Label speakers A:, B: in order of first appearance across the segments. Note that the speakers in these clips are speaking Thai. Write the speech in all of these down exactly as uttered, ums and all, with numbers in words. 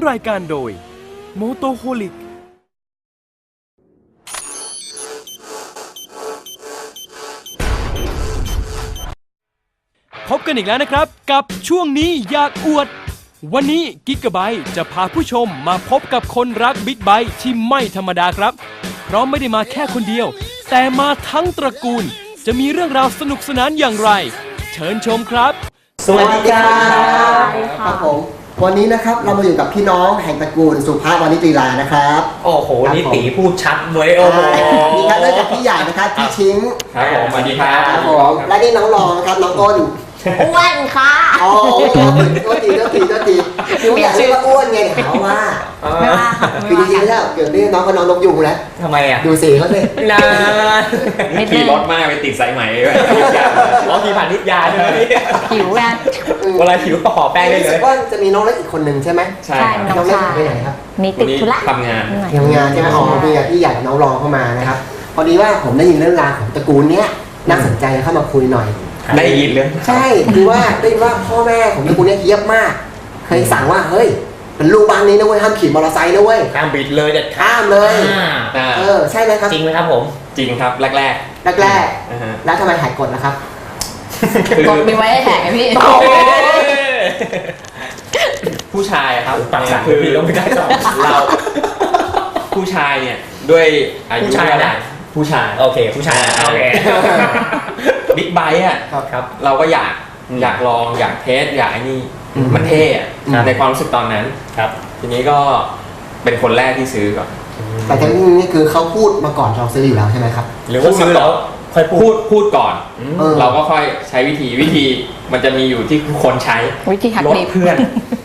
A: รายการโดยโมโตโฮลิกพบกันอีกแล้วนะครับกับช่วงนี้อยากอวดวันนี้กิกะไบต์จะพาผู้ชมมาพบกับคนรักบิ๊กไบค์ที่ไม่ธรรมดาครับเพราะไม่ได้มาแค่คนเดียวแต่มาทั้งตระกูลจะมีเรื่องราวสนุกสนานอย่างไรเชิญชมครับ
B: สวัสดีครับครับผมวันนี้นะครับเรามาอยู่กับพี่น้องแห่งตระกูลสุภาพวานิจีลานะครับ
C: โอ้โหนี่ตีพูดชัดเลยโอ้โห
B: มีครับเริ่มจากพี่ใหญ่นะครับพี่ชิง
C: ครับผมสวัสดีครับ
B: ครับผมและนี่น้องรองครับน้องอ้น
D: อ้วนค่ะ
B: อ๋อตัวตีตัวตีตัวตีคือไม่อยากเรียกว่าอ้วนไงเขาว่าคือจริงๆแล้วเกิดเรื่องน้องก็น้องนกยุงแล้ว
C: ทำไมอ่ะ
B: ดูสีเขาสิ
C: นานขี่รถมากไปติดสายไหมด้วยอ๋อขี่ผ่านนิดยาใช่ไหม
D: หิวอ่ะ
C: เวลาหิวก็ห่อแป้งได้เลย
B: ว่าจะมีน้องเล็กอีกคนหนึ่งใช่ไหม
C: ใช่
B: น้องเล็กไปไหนครับ
D: มีติดธุระ
C: ทำงาน
B: ทำงานใช่ไหมอ๋อพี่พี่ใหญ่น้องรองเข้ามานะครับพอดีว่าผมได้ยินเรื่องราวของตระกูลเนี้ยน่าสนใจเข้ามาคุยหน่อย
C: ได้ยินเลย
B: ใช่คือว่าได้ยินว่าพ่อแม่ของตระกูลนี้เฮี้ยบมากเคยสั่งว่าเฮ้ยเป็นลูกบ้านนี้นะเว้ยห้ามขี่มอเตอร์ไซค์นะเว้ย
C: ห้ามบิดเลยเด็ด
B: ข้ามเลยเออใช่ไหมครับ
C: จริงไหมครับผมจริงครับแรกแรก
B: แรกแรกแล้วทำไมหายกฎล่ะครับ
D: กฎมีไว้ให้แหกพี่
C: ผู้ชายครับปากสั่นคือเราไม่ได้สอนเราผู้ชายเนี่ยด้วยอายุเท่าไหร่ผู้ชายโอเคผู้ชายโอเคบิ๊กไบค์อ่ะครับเราก็อยากอยากลองอยากเทสอยากไอ้นี่มันเท่อะในความรู้สึกตอนนั้นครับทีนี้ก็เป็นคนแรกที่ซื้อก่อน
B: แต่ทั้งนี้คือเขาพูดมาก่อนเราซื้ออยู่แล้วใช่ไหมครับ
C: หรือว่าซื้อแล้วค่อยพูดพูดก่อนเราก็ค่อยใช้วิธีวิธีมันจะมีอยู่ที่คนใช้
D: วิธีหักดิบ
C: เพื่อน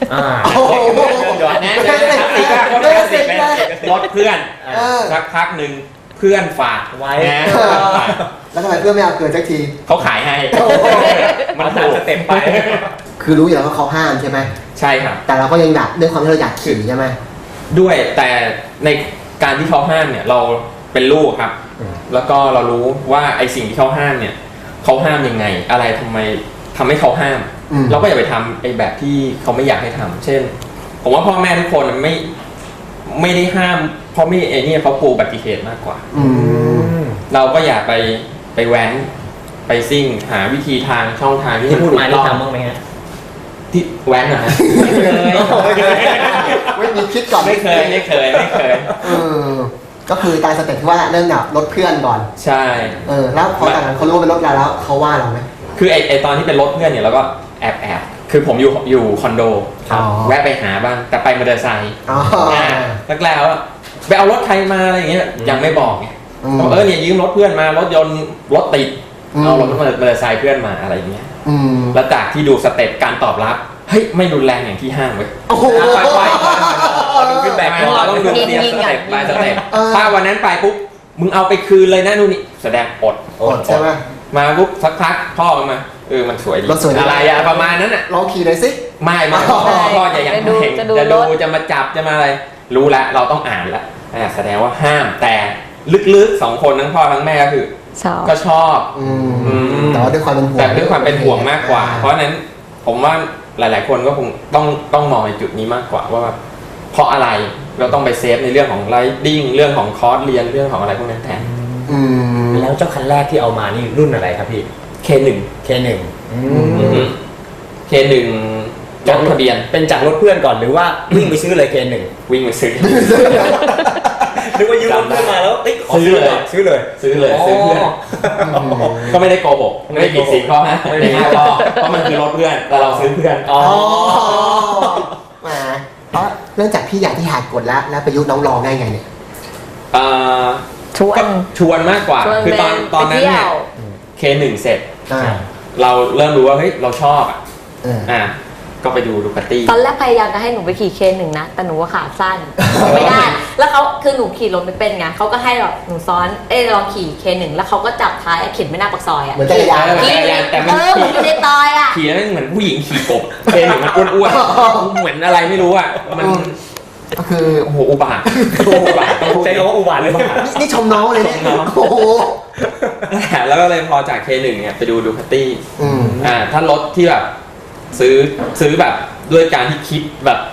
C: ลดเพื่อนสักพักหนึ่งเพื่อนฝากไว้
B: แล้วทำไมเพื่อนไม่เอาเกินสักที
C: เขาขายให้มันตามสเต็ปไป
B: คือรู้อยู่แล้วว่าเขาห้ามใช่ไหม
C: ใช่ครับ
B: แต่เราก็ยังอยากด้วยความที่เราอยากขี่ใช่ไหม
C: ด้วยแต่ในการที่เขาห้ามเนี่ยเราเป็นลูกครับแล้วก็เรารู้ว่าไอสิ่งที่เขาห้ามเนี่ยเขาห้ามยังไงอะไรทำไมทำให้เขาห้ามเราก็อย่าไปทำไอแบบที่เขาไม่อยากให้ทำเช่นผมว่าพ่อแม่ทุกคนไม่ไม่ได้ห้ามเพราะไม่ไอเนี่ยเขากลัวอุบัติเหตุมากกว่าเราก็อย่าไปไปแว้นไปซิ่งหาวิธีทางช่องทางที่
B: พูดมาได้ทำบ้างไหมฮะ
C: ที่แว้นนะไม่เคย
B: ไม่มีคิดก่อน
C: ไม่เคยไม่เคยไม่เคย
B: ก็คือตามสเต็ปที่ว่าเริ่มแบบรถเพื่อนก่อน
C: ใช่
B: เออแล้วพอตอนนั้นเขารู้เป็นรถเราแล้วเขาว่าเราไหม
C: คือไอไอตอนที่เป็นรถเพื่อนเนี่ยเราก็แอบแอบคือผมอยู่อยู่คอนโดแวะไปหาบ้างแต่ไปมอเตอร์ไซค์แล้วแล้วไปเอารถใครมาอะไรอย่างเงี้ยยังไม่บอกไงเออเนี่ยยืมรถเพื่อนมารถยนต์รถติดเอารถมอเตอร์ไซค์เพื่อนมาอะไรอย่างเงี้ยแล้วจากที่ดูสเต็ปการตอบรับเฮ้ยไม่รุนแรงอย่างที่ห้างเว้ย
B: โอ้โห
C: ไปดูฟีดแบ็กเราต้องดูเสียสเต็ปไปสเต็ปถ้าวันนั้นไปปุ๊บมึงเอาไปคืนเลยนะนู่นนี่แสดงอด
B: อดใช่ไหม
C: มาปุ๊บสักพักพ่อมาเออมันสวยดีอะไรอะประมาณนั้นอะ
B: ลองขี่หน่อยสิ
C: ไม่ไม่พ่อจะยังไม่เห็นจะดูจะมาจับจะมาอะไรรู้แล้วเราต้องอ่านแล้วแสดงว่าห้ามแต่ลึกๆสองคนทั้งพ่อทั้งแม่ก็คือก็ชอบ
B: แต่ว่าด้วยความเป็นห่วง
C: แต่ด้วยความเป็นห่วงมากกว่าเพราะนั้นผมว่าหลายๆคนก็คงต้องต้องมองในจุดนี้มากกว่าว่าเพราะอะไรเราต้องไปเซฟในเรื่องของไลดิ้งเรื่องของคอร์สเรียนเรื่องของอะไรพวกนั้นแทน
E: แล้วเจ้าคันแรกที่เอามานี่รุ่นอะไรครับพี่
C: เค หนึ่ง
E: เค หนึ่ง
C: เค หนึ่งจดทะเบียน
E: เป็นจากรถเพื่อนก่อนหรือว่าวิ่งไปซื้อเลย เค หนึ่ง
C: วิ่งไปซื้อ
E: นึกว่ายืมรถเพื่อนมาแล้ว
C: ซื้อเลย
E: ซื้อเลย
C: ซื้อเลยซื้อเพื่อนก็ไม่ได้โกหกไม่ได้ผิดศีลข้อห้าไม่ได้ห้าข้อเพราะมันคือรถเพื่อนแต่เราซื้อเพื่อน
B: อ๋อมาเพราะเนื่องจากพี่ใหญ่ที่หากดแล้วแล้วประยุทธ์น้องรองได้ไงเนี่ย
D: ชวน
C: ชวนมากกว่าคือตอนตอนนั้นเนี่ยเค หนึ่ง เสร็จเราเริ่มรู้ว่าเฮ้ยเราชอบอ่ะก็ไปดูดูกัตตี้
D: ตอนแรกพยายามจะให้หนูไปขี่เคหนึ่งนะแต่หนูว่าขาสั้นไม่ได้แล้วเขาคือหนูขี่รถไม่เป็นไงเขาก็ให้แบบหนูซ้อนเอ้ลองขี่เคหนึ่งแล้วเขาก็จับท้ายเข็นไม่หน้าปากซอยอ่ะ
B: เหมือนจักรยาน
C: แต่มัน
D: ขี่อยู่ในซอยอ่ะ
C: ขี่แล้วเหมือนผู้หญิงขี่กบเคหนึ่งมันอ้วนๆเหมือนอะไรไม่รู้อ่ะมัน
B: ก็คือ
C: โอ้โหอุบาทอุบาท
E: ใช้คำว่าอุบาทเลย
B: นี่ชมน้องเลยเนี่ยโอ้โห
C: แล้วก็เลยพอจาก เค หนึ่ง เนี่ยไปดูดูคัตตี้อ่าถ้ารถที่แบบซื้อซื้อแบบด้วยการที่คิดแบบ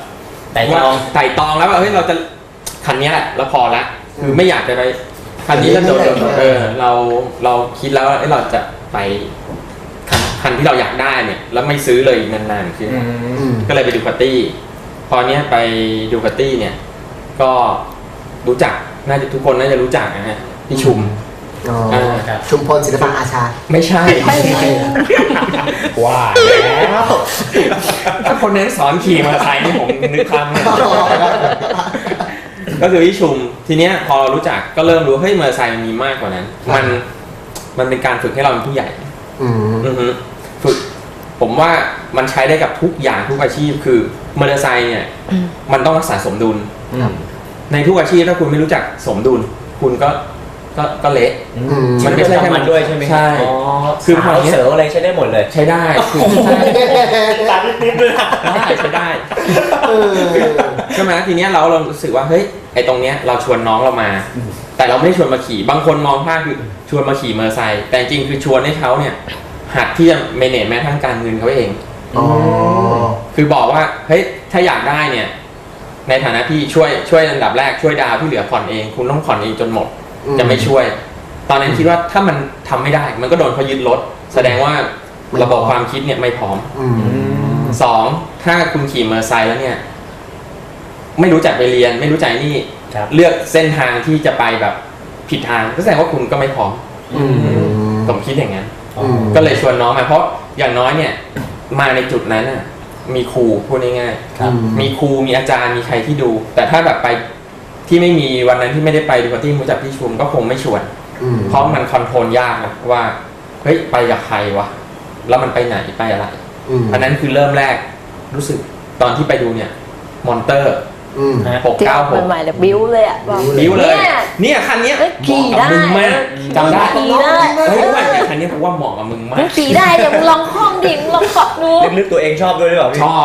E: แต่ต
C: ว่า
E: อง
C: ไต่ตองแล้วว่าเฮ้ยเราจะคันนี้แหละแล้วพอละคือไม่อยากจะไปคันนี้แล้วโดนเออเราเราคิดแล้วว่าเอ้ยเราจะไปคันคันที่เราอยากได้เนี่ยแล้วไม่ซื้อเลยนานๆคือ
B: อืม
C: ก็เลยไปดูคาตี้พอเนี้ยไปดูคาตี้เนี่ยก็รู้จักน่าจะทุกคนน่าจะรู้จักนะฮะพี่ชุม
B: อ๋อ
C: อ่า
E: ครับ
B: ชุมพลศิลปะอาชา
C: ไม่ใช่
E: ว่าแล้ว
C: ถ้าคนนั้นสอนขี่มอเตอร์ไซค์นี่ผมนึกคำเนี่ยก็คือพี่ชุมทีเนี้ยพอรู้จักก็เริ่มรู้เฮ้ยมอเตอร์ไซค์มันมีมากกว่านั้น มันมันเป็นการฝึกให้เราเป็นผู้ใหญ่
B: อืม
C: อือฮึฝึกผมว่ามันใช้ได้กับทุกอย่างทุกอาชีพคือมอเตอร์ไซค์เนี่ยมันต้องรักษาสมดุล
E: อืม
C: ในทุกอาชีพถ้าคุณไม่รู้จักสมดุล คุณก็ก็ก็เละ
E: อื
B: อืม
C: มันไม่ใช่แค่
E: มันด้วยใช่ไหม
C: ใช่
E: อ๋อ
C: คื
E: คือ อ
C: พอ
E: เผา
C: เนี้ย
E: เสืออะไรใช้ได้หมดเลย
C: ใช้ได้คือใช้
E: ตัดนิดๆเลยนะ
C: ได้ใช้ได้
B: เออ
C: ใช่ไหมทีเนี้ยเราเรารู้สึกว่าเฮ้ยไอตรงเนี้ยเราชวนน้องเรามา แต่เราไม่ได้ชวนมาขี่บางคนมองภาพคือชวนมาขี่มอเตอร์ไซค์แต่จริงคือชวนให้เขาเนี่ยหัดที่จะเมเนจแม้ทั้งการเงินเขาเอง
B: อ๋อ
C: คือบอกว่าเฮ้ยถ้าอยากได้เนี่ยในฐานะที่ช่วยช่วยอันดับแรกช่วยดาวที่เหลือผ่อนเองคุณต้องผ่อนเองจนหมด
B: อืม
C: จะไม่ช่วย ตอนนั้นคิดว่าถ้ามันทำไม่ได้ มันก็โดนเขายึดรถแสดงว่า
B: ไม่พร้อม
C: ระบบความคิดเนี่ยไม่พร้อม
B: อืม
C: สองถ้าคุณขี่มอเตอร์ไซค์แล้วเนี่ย ไม่รู้จักไปเรียน ไม่รู้จักนี่
E: ครับ
C: เลือกเส้นทางที่จะไปแบบผิดทางก็แสดงว่าคุณก็ไม่พร้อม
B: อืม
C: ผมคิดอย่างนั้น
E: อ๋อ
B: ม
C: ก็เลยชวนน้องมาเพราะอย่างน้อยเนี่ย มาในจุดนั้นน่ะมีครูพูดง่ายๆ
E: ครับ
C: มีครูมีอาจารย์มีใครที่ดู แต่ถ้าแบบไปที่ไม่มีวันนั้นที่ไม่ได้ไปดูปาร์ตี้รู้จักพี่ชุมก็คงไม่ชวน
B: อืม
C: เพราะมันคอนโทรลยากนะว่าเฮ้ยไปกับใครวะแล้วมันไปไหนไปอะไร
B: อืม
C: อันนั้นคือเริ่มแรกรู้สึกตอนที่ไปดูเนี่ยมอนเตอร์
B: อืม
E: ฮะ
C: หก
D: ที่
C: เก้า
D: ออก
C: หก
D: ใหม่ๆเลยบิ้วเลยอ่ะบอก
C: บิ้วเลย
D: เนี่ย
C: เนี่ยคันเนี้ย
D: เอ้ยขี่
C: เหมาะกับมึงมาก
D: ได้
C: จำได้
D: ขี่ได้
C: เฮ้ยว่าเนี่ยคันเนี้ยผมว่าเหมาะกับมึงมา
D: มึ
C: ก
D: งขี่ได้เดี๋ยวมึงลองคล่องดิมึงลองเกาะดู
E: ลึกๆตัวเองชอบด้วยหรือเปล่าพี่
C: ชอบ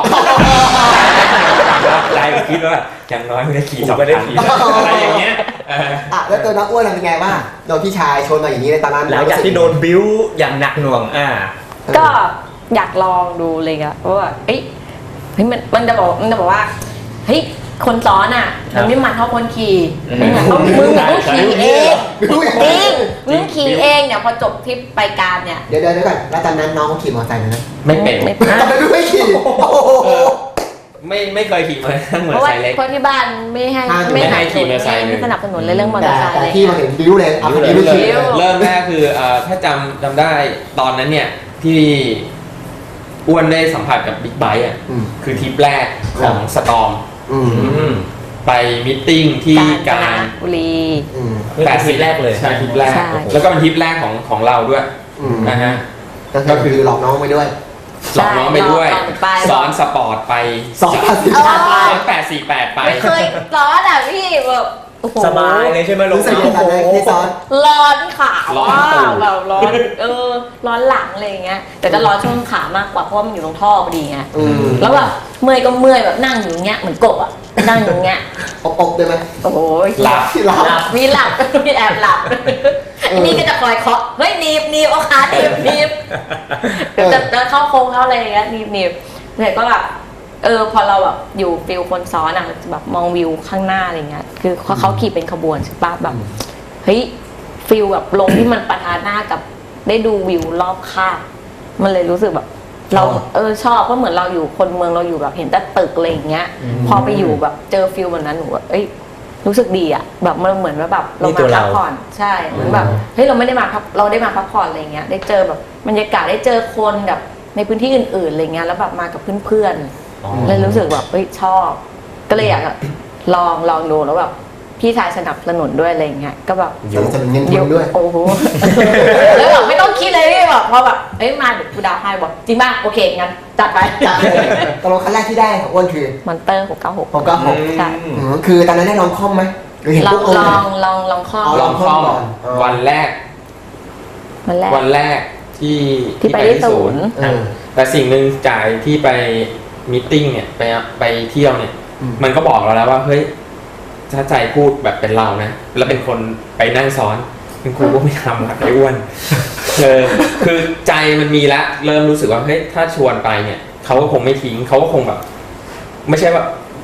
C: ใจผมคิดว่าอย่างน้อยไม่ได้ขี่สอง
E: ไม่ได้
C: คัน
E: ขี่
C: อะไรอย่างเงี้ยเออ
B: อ่ะแล้วตัวน้องอ้วนเป็นไงบ้างโดนพี่ชายชนมาอย่างนี้ในตอนนั้น
E: หลังจากที่โดนบิ้วอย่างหนักหน่วงอ่า
D: ก็อยากลองดูเลยอะเพราะว่าเอ้ยเฮ้ยมันมันจะบอกมันจะบอกว่าเฮ้ยคนซ้อนอ่ะ
E: ครับ
D: มันไม่มันเท่าคนขี่
E: อืม
D: มึงอะต้องมึงอะต้องขี่เอง
B: บิ้วอย่าง
D: จ
B: นี้
D: ริงมึงขี่เองเนี่ยพอจบทริปไปการเนี่ย
B: เดี๋ยวเดี๋ยวเดี๋ยวก่อนแล้วตอนนั้นน้องเขาขี่มอเตอร์ไซค์เลยนะ
C: ไม่เป็น
D: ไม่
B: ทำไมไม่ขี่โอ้โห
C: ไม่ไม่เคยขี่มอเตอร์ไซค์มอ
D: เพ
C: เตอ
D: ราะ
C: ร์
D: ว่า
C: ไซค์เล็ก
D: เพราะที่บ้านไม่ให้
B: ห้าม
C: ไม่ให้ขี่มอเตอร์ไซค์เลย
D: ไม่สนับสนุนเลยเรื่องมอเต
B: แต่
D: อร์ไซค์
B: แต่
D: อะไร
B: ที่
D: เงี้
B: มาย เห็นบิ้วเลยเอาคนนี้ไม่ขี่
D: บิ้ว
C: เริ่มแรกคือเอ่อถ้าจำจำได้ตอนนั้นเนี่ยที่อ้วนได้สัมผัสกับบิ๊กไบค์อ่ะ
B: อืม
C: คือทริปแรกของสตอม
B: อืม
E: อืม
C: ไปมิทติ้งที่
D: กา
C: การ
D: ญ
C: ร
D: จนบุรี
B: อืม
E: นี่เป็นทริปแรกเลย
C: ใช่ทริปแรก
D: ใช่
C: แล้วก็เป็นทริปแรกของของเราด้วย
B: อืม
C: นะฮะ
B: ก็คือหลอกน้องไปด้วย
C: หลอกน้องไปด้วย
D: หลอกไป
C: สอนสปอร์ตไป
B: สอนภาษี
D: เออ
C: สอนแปดสี่แปดไป
D: ไม่เคยร้อนอ่ะพี่แบบโอ้โห
E: สบายเลยใช่ไหมลง
B: รู้สึกยังไงตอนนั้นที่ซ้อน
D: ร้อนขา
C: ร้อน
D: ว่า
C: ตูด
D: แบบร้อนเออร้อนหลังอะไรอย่างเงี้ยแต่จะร้อนช่วงขามากกว่าเพราะว่ามันอยู่ตรงท่อพอดีไง
B: อืม
D: แล้วแบบเมื่อยก็เมื่อยแบบนั่งอยู่อย่างเงี้ยเหมือนกบอ่ะนั่งอยู่อย่างเงี้ย
B: อบอบได้ไหม
D: โอ้โห
C: หลับ
B: ที่เรา
D: หลับมีหลับ มีแอบหลับ
B: เออ
D: อันนี้ก็จะคอยเคาะเฮ้ยหนีบหนีบเอาขาหนีบหนีบ
B: เออ
D: จะจะเข้าโค้งเข้าอะไรอย่างเงี้ยหนีบหนีบแต่ก็แบบเออพอเราแบบอยู่ฟิลคนซ้อนอ่ะแบบมองวิวข้างหน้าอะไรเงี้ยคือเขาเขาขี่เป็นขบวนใช่ปะแบบเฮ้ยฟิลแบบลงที่มันปะทะหน้ากับได้ดูวิวรอบข้างมันเลยรู้สึกแบบ เราเออชอบเพราะเหมือนเราอยู่คนเมืองเราอยู่แบบเห็นแต่ตึกอะไรอย่างเงี้ย พอไปอยู่แบบเจอฟิลแบบนั้นหนูแบบเอ้ยรู้สึกดีอ่ะแบบมันเหมือนว่าแบบเรา
E: นี่ตั
D: มาว พั
E: เรา
D: กผ่อนใช่เหมือนแบบเฮ้ยเราไม่ได้มาพักเราได้มาพักผ่อนอะไรเงี้ยได้เจอแบบบรรยากาศได้เจอคนแบบในพื้นที่อื่นๆอะไรเงี้ยแล้วแบบมากับเพื่อนๆ
E: อ๋อ
D: เลยรู้สึกแบบเฮ้ยชอบ ก็เลยอยากจะลองลองดูแล้วแบบพี่ชายสนับสนุนด้วยอะไรเงี้ยก็แบบ
B: สนับสนุนเงินทุนด้วย
D: โอ้โห แล้วแบบไม่ต้องคิดเลยพี่แบบพอแบบเอ้ยมาเดี๋ยวกูดาวให้บอกจริงป่ะโอเคงั้นจัดไป
B: จากตกลงคันแรกที่ได้ของอ้วนคือ
D: มอนเตอร์หกเก้าหก
B: ผมก็หก
D: ใช่
B: อืมคือตอนนั้นได้ลองคล่อมไหมหรือเห็น
D: ลอ
B: ปุ๊
D: ง
B: บเออ
D: ลองลองลองข้อ
B: เอา
C: ลองคล่อม
B: ก่อนอ๋อ
C: วันแรก
D: วันแรก
C: วันแรกที่
D: ที่ไปที่ศูนย์
B: เออ
C: แต่สิ่งหนึ่งจ่ายที่ไปมิทติ้งเนี่ยไปไปเที่ยวเนี่ย
B: อืม
C: มันก็บอกเราแล้วว่าเฮ้ยถ้าใจพูดแบบเป็นเรานะแล้วเป็นคนไปนั่งซ้อนเป็นครูก็ไม่ทำหรอกไอ้อ้วนเออคือใจมันมีแล้วเริ่มรู้สึกว่าเฮ้ยถ้าชวนไปเนี่ยเขาก็คงไม่ทิ้งเขาก็คงแบบ ไม่ใช่ว่า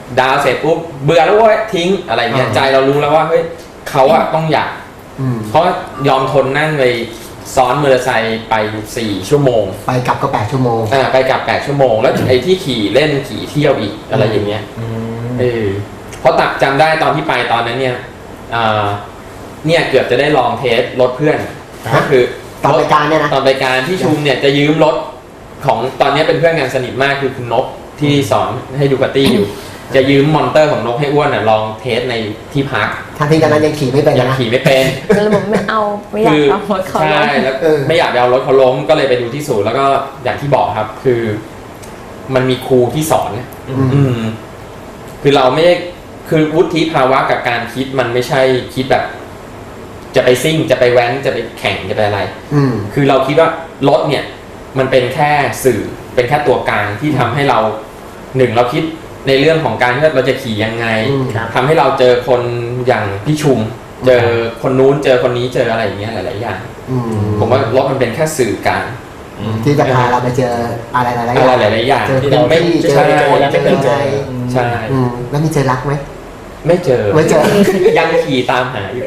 C: ดาวเสร็จปุ๊บเบื่อแล้วเว้ยทิ้งอะไรเงี้ยใจเรารู้แล้วว่าเฮ้ยเขาอะต้องอยากเขายอมทนนั่งไปซ้อนมอเตอร์ไซค์ไปสี่ชั่วโมง
B: ไปกลับก็แปดชั่วโมง
C: อ่าไปกลับแปดชั่วโมงแล้วไอ้ที่ขี่เล่นขี่เที่ยวอีกอะไรอย่างเงี้ยเออเพราะตักจำได้ตอนที่ไปตอนนั้นเนี่ยอ่าเนี่ยเกือบจะได้ลองเทสรถเพื่อนก็คือ
B: ตอนรายการเนี่ยนะ
C: ตอนรายการที่ชุมเนี่ยจะยืมรถของตอนนี้เป็นเพื่อนกันสนิทมากคือคุณนกที่สอนให้ดูคาตี้อยู่จะยืมมอนิเตอร์ของนกให้อ้วนน่ะลองเทสในที่พัก
B: ทางที่ตอนนั้นยังขี่ไม่เป็น
C: ยังขี่ไม่เป็น
D: ก็เลยบอกไม่เอาไม่อยากเอารถเขาล้ม
C: ใช่แล้วไม่อยากเอารถเขาล้มก็เลยไปดูที่ศูนย์แล้วก็อย่างที่บอกครับคือมันมีครูที่สอนอืมคือเราไม่ได้คือวุฒิภาวะกับการคิดมันไม่ใช่คิดแบบจะไปซิ่งจะไปแว้นจะไปแข่งจะไปอะไรคือเราคิดว่ารถเนี่ยมันเป็นแค่สื่อเป็นแค่ตัวกลางที่ทำให้เราหนึ่งเราคิดในเรื่องของการที่เราจะขี่ยังไงทำให้เราเจอคนอย่างพี่ชุมเจอคนนู้นเจอคนนี้เจออะไรอย่างเงี้ยหลายๆอย่างผมว่ารถมันเป็นแค่สื่อกลาง
B: ที่จะพาเราไปเจออะไรหลายๆ
C: อย่างอะไรหลายๆอย่าง
B: ที่เราไม่เจอแล้วไม่เคยเจอ
C: ใช่
B: แล้วมีเจอรักไหม
C: ไม่เจอ
B: ไม่เจอ
C: ยังขี่ตามหาอยู่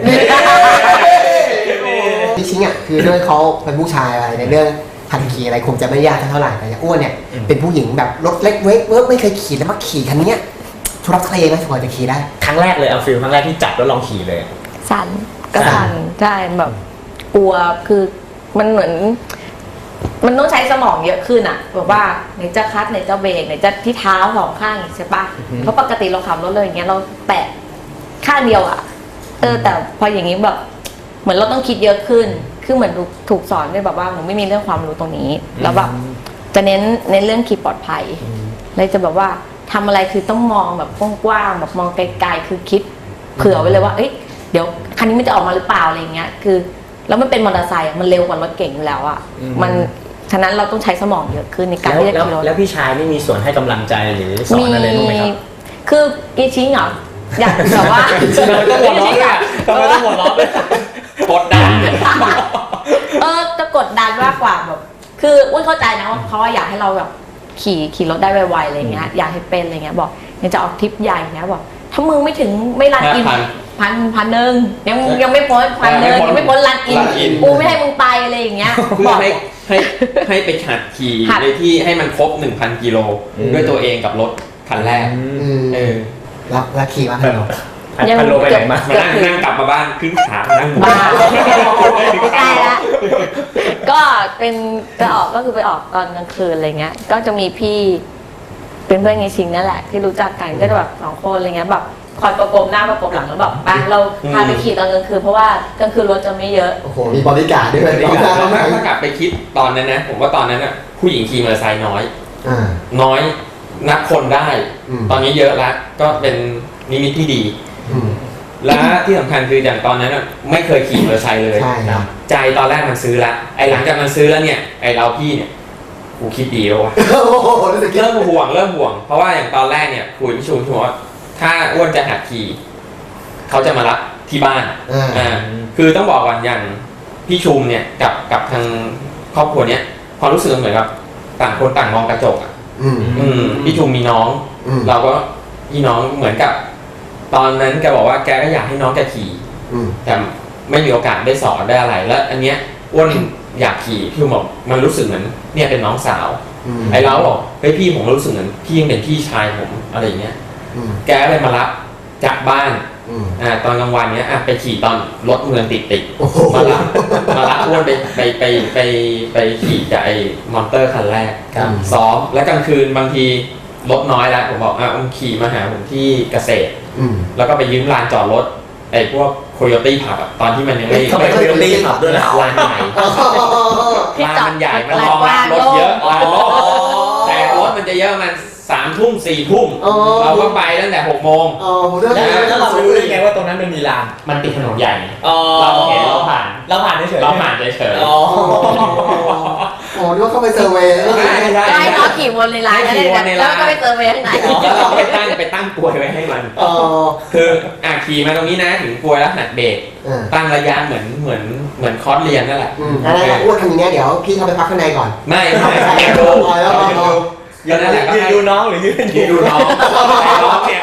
B: พี่ชิงอ่ะคือด้วยเขาเป็นผู้ชายอะไรในเรื่องคันขี่อะไรคงจะไม่ยากเท่าไหร่แต่อ้วนเนี่ยเป็นผู้หญิงแบบรถเล็กเวกเวิร์กไม่เคยขี่แล้วมาขี่คันนี้ทุรักทะเลไหมพอจะขี่ได้
E: ครั้งแรกเลยเอาฟิลครั้งแรกที่จับแล้วลองขี่เลย
D: สั่นก็สั่นใช่แบบกลัวคือมันเหมือนมันต้องใช้สมองเยอะขึ้นอ่ะแบบว่าไหนจะคัดไหนจะเบรกไหนจะที่เท้าสองข้างใช่ปะเพราะปกติเราขับรถเลยอย่างเงี้ยเราแตะข้างเดียวอ่ะเออแต่พออย่างนี้แบบเหมือนเราต้องคิดเยอะขึ้นคือเหมือนถูกสอนด้วยแบบว่าหนูไม่มีเรื่องความรู้ตรงนี้แล้วแบบจะเน้นในเรื่องขี่ปลอดภัยเลยจะแบบว่าทำอะไรคือต้องมองแบบกว้างๆแบบมองไกลๆคือคิดเผื่อไว้เลยว่าเอ้ยเดี๋ยวคันนี้มันจะออกมาหรือเปล่าอะไรเงี้ยคือแล้วมันเป็นมอเตอร์ไซค์มันเร็วกว่ารถเก่งอยู่แล้วอ่ะมันฉะนั้นเราต้องใช้สมองเยอะขึ้นในการที่จะขี่รถ
E: แล้วพี่ชายไม่มีส่วนให้กำลังใจหรือสอนอะไรบ้างไหมครับ
D: คืออีชิงเหรออยากแบบว่า
E: ต้องหัวเราะด้วยทำไมต้องหัวเราะด้วย
C: กดดัน
D: เออจะกดดันมากกว่าแบบคืออุ้ยเข้าใจนะว่าเขาอยากให้เราแบบขี่ขี่รถได้ไวๆอะไรเงี้ยอยากให้เป็นอะไรเงี้ยบอกยังจะออกทริปใหญ่เนี้ยบอกถ้ามึงไม่ถึงไม่รันอินพันพันหนึ่งยังยังไม่พ้นพันหนึ่งยังไม่พ้นรันอินกูไม่ให้มึงไปอะไรอย่างเงี้ย
C: เพื่อให้ให้ให้ไปหัดขี่ในที่ให้มันครบ หนึ่งพัน กิโลด้วยตัวเองกับรถคันแรกเออ
B: แล้วแล้วขี่มาเหรอ
E: ยังพันโลไปไหนมา
C: มานั่งนั่งกลับมาบ้านขึ้นขานั่ง
D: บ้านใกล้ละก็เป็นจะออกก็คือไปออกตอนกลางคืนอะไรเงี้ยก็จะมีพี่เป็นเพื่อนไงชิงนั่นแหละที่รู้จักกันก็จะแบบสองคนอะไรเงี้ยแบบคอยประกบหน้าประกบหลังแล้วแบบไปเราพาไปขี่ตอนกลางคืนเพราะว่ากลางคืนรถจะไม่เยอะ
B: โอ้โหมีบริการด้วยบริ
C: การถ้ากลับไปคิดตอนนั้นนะผมว่าตอนนั้นอ่ะผู้หญิงขี่มอเตอร์ไซค์น้อยน้อยนับคนได้ตอนนี้เยอะแล้วก็เป็นนิมิตที่ดีและที่สำคัญคืออย่างตอนนั้นไม่เคยขี่มอเตอร์ไซค์เลยใจตอนแรกมันซื้อละไอ้หลังจากมันซื้อแล้วเนี่ยไอ้เราพี่เนี่ยกูคิดดีแล้ววะเริ่มห่วงเริ่มห่วงเพราะว่าอย่างตอนแรกเนี่ยคุยพี่ชูชัวว่าถ้าอ้วนจะหัดขี่เขาจะมารับที่บ้านอ่าคือต้องบอกก่อนอย่างพี่ชุมเนี่ยกับกับทางครอบครัวเนี้ยความรู้สึกเหมือนกับต่างคนต่างมองกระจกอ่ะอืมพี่ชุมมีน้องเราก็พี่น้องเหมือนกับตอนนั้นแกบอกว่าแกก็อยากให้น้องแกขี่แต่ไม่มีโอกาสได้สอนได้อะไรแล้วอันเนี้ยอ้วนอยากขี่พี่บอกมันรู้สึกเหมือนเนี่ยเป็นน้องสาวไอ้เราบอกเฮ้ยพี่ผมรู้สึกเหมือนพี่ยังเป็นพี่ชายผมอะไรอย่างเงี้ยแกเลยมารับจากบ้านอ่าตอนกลางวันเนี้ยอ่ะไปขี่ตอนรถเมืองติดติดมารับมารับอ้วนไปไปไปไปไปขี่กับไอ้มอนเตอร์คันแรกซ้อมแล้วกลางคืนบางทีรถน้อยแล้วผมบอกอ่ะอุ้มขี่มาหาผมที่เกษตรแล้วก็ไปยืมลานจอดรถไอ้พวกโคโยตี้ผับตอนที่มันยังไม่
E: ไม่โคโยตี้ผับด้วยนะ
C: ลานใหญ่ลานมันใหญ่มันรองรับรถเยอะลานรถแต่รถมันจะเยอะมันสามทุ่มสี่ทุ่มเราก็ไปตั้งแต่หกโมง
E: แล้วเรารู้ได้ไงว่าตรงนั้นมันมีลาน
C: มันติดถนนใหญ่เราเห็นเราผ่าน
E: เราผ่านเฉย
C: เราผ่านเฉย
B: อ๋อโอ้ด้วยเข้าไปเซอร์เวย์
D: ได้ให้น้องขี่วนในร้านแล้วก็ไปเซอร์เวย์ข้างใน
C: แล้วเราไปตั้งไปตั้งกลวยไว้ให้มันคืออ่ะขี่มาตรงนี้นะถึงกลวยแล้วหัดเบรกตั้งระยะเหมือนเหมือนเหมือนคอร์สเรียนนั่นแหละ
B: แล้วอ้วนทำอย่างนี้เดี๋ยวพี่เข้าไปพักข้างในก่อน
C: ไม่ไม่ดูยืนนั่นแหละก็
E: ยืนดูน้องหรือยืน
C: ยืนดูน้องน้องเนี่ย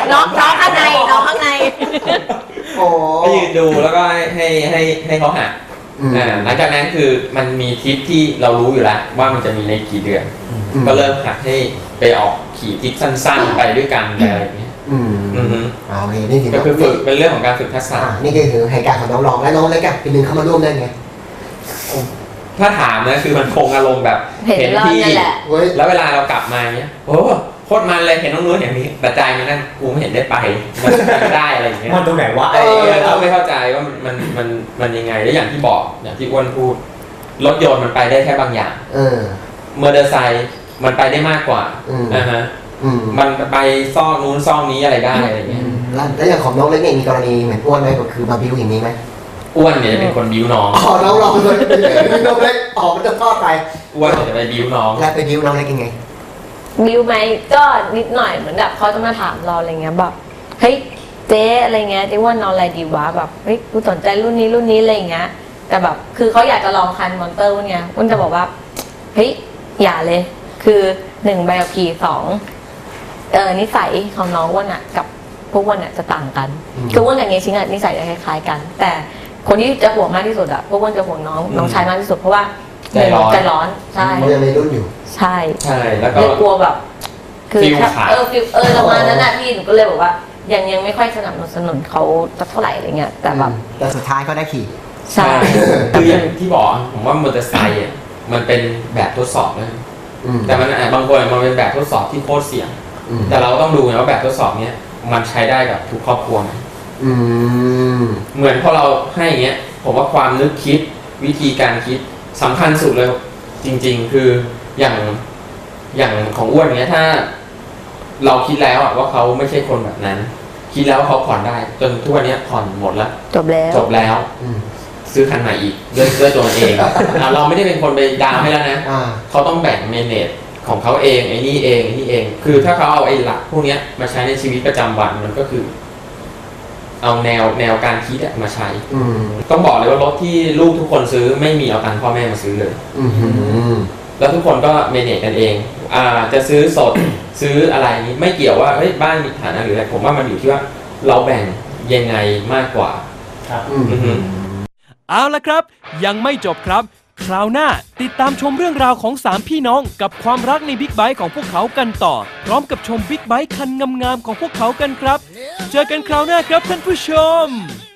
D: น้องน้องข้างในน้องข้างใน
B: โอ้
C: ก็ยืนดูแล้วก็ให้ให้ให้ให้เขาหัก
B: อืม
C: อ่าหลังจากนั้นคือมันมีทริปที่เรารู้อยู่แล้วว่ามันจะมีในกี่เดือน
B: อืม
C: ก็เริ่มหักให้ไปออกขี่ทริปสั้นๆ ไปด้วยกันอะไรอย่างเงี้ย
B: อืม
C: อือฮึ
B: อ่าโอเคนี่ถือ
C: ก็
B: ว่า
C: คือฝึกเป็นเรื่องของการฝึกทักษะ
B: อ่านี่คือเหตุการณ์ของน้องรองและน้องเล็กอะปีหนึ่งเข้ามาร่วมได้ไง
C: ถ้าถามนะคือมันคงอารมณ์แบบ
D: เห็นเรา
C: พี่
D: เนี่ยแหละ
B: เว้ย
C: แล้วเวลาเรากลับมาเงี้ยโอ้โคตรมันเลยเห็นน้องนู้นอย่างนี้แต่ใจมันนั่นกูไม่เห็นได้ไปมันไม่ได้อะไรอย่างเงี้ย
E: มันตรงไหนวะ
C: เออเราไม่เข้าใจว่ามันมันมันมันยังไงแล้วอย่างที่บอกอย่างที่อ้วนพูดรถยนต์มันไปได้แค่บางอย่าง
B: เออ
C: มอเตอร์ไซค์มันไปได้มากกว่า
B: อืม
C: นะฮะ
B: อืม
C: มันไปซอกนู้นซอกนี้อะไรได้อะไรเงี้ย
B: แล้วแล้วอย่างของน้องเล็กเนี่ยมีกรณีเหมือนอ้วนไหมก็คือมาบิ้วอย่างนี้ไหม
C: อ้วนเนี่ยจะเป็นคนบิ้วน้อง
B: อ๋อน้องรองเลยเป็นน้องเล็กออกมันจะทอดไป
C: อ้วนเนี่ยจะไปบิ้วน้อง
B: แล้วไปบิ้วน้องเล็กยังไง
D: บิวไหมก็นิดหน่อยเหมือนแบบเขาจะมาถามเราอะไรเงี้ยแบบเฮ้ยเจ๊อะไรเงี้ยเจ๊ว่านอนอะไรดีวะแบบเฮ้ยกูสนใจรุ่นนี้รุ่นนี้อะไรเงี้ยแต่แบบคือเขาอยากจะลองคันมอนเตอร์วันเนี้ยวันจะบอกว่าเฮ้ยอย่าเลย คือหนึ่งใบขับขี่สองเออนิสัยของน้องอ้วนอะกับพวกอ้วนอะจะต่างกัน
B: อืม
D: คืออ้วนกับเงี้ยชิงอะนิสัยจะคล้ายๆกัน แต่คนที่จะห่วงมากที่สุดอะพวกอ้วนจะห่วงน้องน้องชายมากที่สุดเพราะว่า
C: ใจร้อน
D: ใจร้อนใช่
B: มันยังในรุ่นอยู่
D: ใช่
C: ใช่แล้วก็
D: เลยกลัวแบบ คือ
C: ฟิล
D: ถ้า
C: ขาด
D: เออฟิลเออประมาณนั้นน่ะพี่หนูก็เลยบอกว่า ยังยังไม่ค่อยสนับสนุนเขาสักเท่าไหร่อะไรเงี้ยแต่แบบ
B: แต่สุดท้ายก็ได้ขี่
D: ใช่
C: คืออย่างที่บอกผมว่ามอเตอร์ไซค์อ่ะมันเป็นแบบทดสอบนะ
B: อืม
C: แต่มันอ่ะบางคนมันเป็นแบบทดสอบที่โคตรเสี่ยง
B: อืม
C: แต่เราต้องดูนะว่าแบบทดสอบเนี้ยมันใช้ได้กับทุกครอบครัวไหม
B: อืม
C: เหมือนพอเราให้อย่างเงี้ยผมว่าความนึกคิดวิธีการคิดสำคัญสุดเลยจริง ๆ คืออย่างอย่างของอ้วนเนี้ยถ้า เราคิดแล้วอะว่าเขาไม่ใช่คนแบบนั้น คิดแล้วว่าเขาผ่อนได้ จนทุกวันเนี้ยผ่อนหมดแล้ว
D: จบแล้ว
C: จบแล้ว
B: อืม
C: ซื้อคันใหม่อีกด้วยด้วยตัวมันเองอ่ะเราไม่ได้เป็นคนไปดาวน์ให้แล้วนะ
B: อ่า
C: เขาต้องแบ่งเมเนจของเขาเองไอ้นี่เองไอ้นี่เอง คือถ้าเขาเอาไอ้หลักพวกเนี้ยมาใช้ในชีวิตประจำวันมันก็คือ เอาแนวแนวการคิดอะมาใช้
B: อืม
C: ต้องบอกเลยว่ารถที่ลูกทุกคนซื้อไม่มีเอาตังค์พ่อแม่มาซื้อเลย
B: อืม
C: แล้วทุกคนก็เมเนจกันเอง อ่า จะซื้อสด ซื้ออะไรนี้ไม่เกี่ยวว่าเฮ้ยบ้านมีฐานะหรืออะไรผมว่ามันอยู่ที่ว่าเราแบ่งยังไงมากกว่า
E: ครับ
B: อืม
C: อือฮึ
A: เอาละครับ ยังไม่จบครับ คราวหน้าติดตามชมเรื่องราวของสามพี่น้องกับความรักในบิ๊กไบค์ของพวกเขากันต่อ พร้อมกับชมบิ๊กไบค์คันงามๆของพวกเขากันครับ เจอกันคราวหน้าครับท่านผู้ชม